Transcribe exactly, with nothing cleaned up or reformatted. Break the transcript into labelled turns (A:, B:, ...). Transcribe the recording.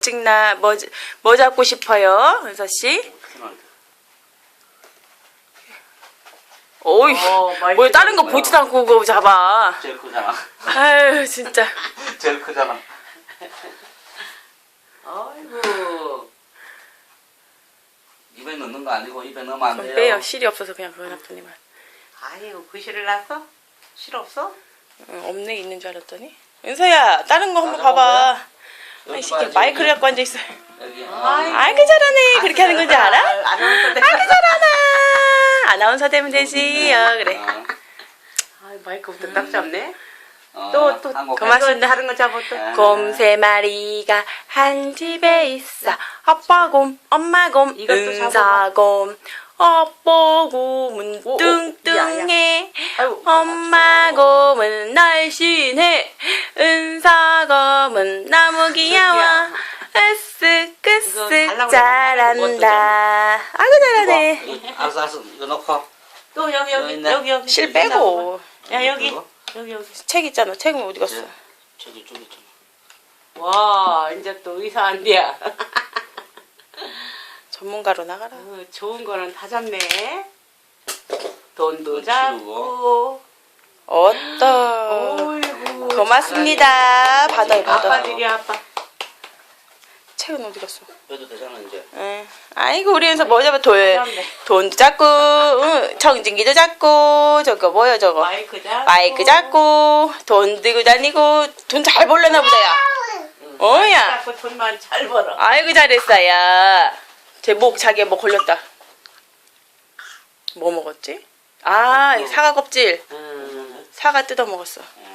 A: 찍나? 뭐, 뭐 잡고 싶어요? 은서씨? 어이,
B: 어,
A: 뭐 다른 거 보지도 않고 그거 잡아.
C: 제일 크잖아.
A: 아유, 진짜.
C: 제일 크잖아.
B: 아이고.
C: 입에 넣는 거 아니고 입에 넣으면 안
A: 그럼
C: 돼요.
A: 빼요. 실이 없어서 그냥 그거 놨더니만.
B: 아이고, 그 실을 놨어? 실 없어?
A: 응, 없네, 있는 줄 알았더니. 은서야, 다른 거 한번
C: 다른 거
A: 봐봐.
C: 여기
A: 이 새끼
C: 봐야지,
A: 마이크를
C: 여기.
A: 갖고 앉아있어.
C: 여기.
B: 아이고.
A: 아이고, 잘하네. 그렇게 하는 건지 알아?
B: 아나운서 돼.
A: 아이고, 잘하나. 아나운서 되면 되지. 어, 그래.
C: 어,
B: 아, 마이크부터 딱 잡네.
C: 어,
B: 또, 또,
C: 한국
A: 고맙습니다.
B: 다른 거 잡아 또.
C: 아.
A: 곰 세 마리가 한 집에 있어. 아빠 곰, 엄마 곰,
B: 이것도
A: 은사 곰. 아빠 곰은
B: 오, 오,
A: 뚱뚱해.
B: 아이고.
A: 엄마 곰은 날씬해. 은사 곰은 너무 귀여워. 으쓱
B: 이거
A: 으쓱
B: 달라고
A: 잘한다. 아이고 잘하네.
C: 이거, 알았어 알았어 이거 넣고.
B: 또 여기,
C: 여기
B: 여기,
C: 있네.
B: 여기, 여기.
A: 실 빼고.
B: 야, 여기.
C: 이거?
B: 여기, 여기.
A: 책 있잖아. 책은 어디 갔어?
C: 저기 저기 있잖아.
B: 와, 이제 또 의사 안 돼야.
A: 전문가로 나가라.
B: 어, 좋은 거는 다 잡네. 돈도
C: 돈
B: 잡고.
A: 어떠.
B: 어이구.
A: 고맙습니다. 받아요, 받아.
B: 아빠들이 아빠.
A: 책은 어디 갔어?
C: 해도 되잖아 이제.
A: 응. 아이고 우리 연서 뭐 잡아? 돈,
B: 잡네.
A: 돈도 잡고, 응. 청진기도 잡고, 저거 뭐야 저거?
B: 마이크 잡고.
A: 마이크 잡고, 돈 들고 다니고, 돈 잘 벌려나 보다야. 어야.
B: 잡고 돈만 잘 벌어.
A: 아이고 잘했어야. 제 목 자기의 목 걸렸다. 뭐 먹었지? 아, 이 사과 껍질.
B: 음.
A: 사과 뜯어 먹었어.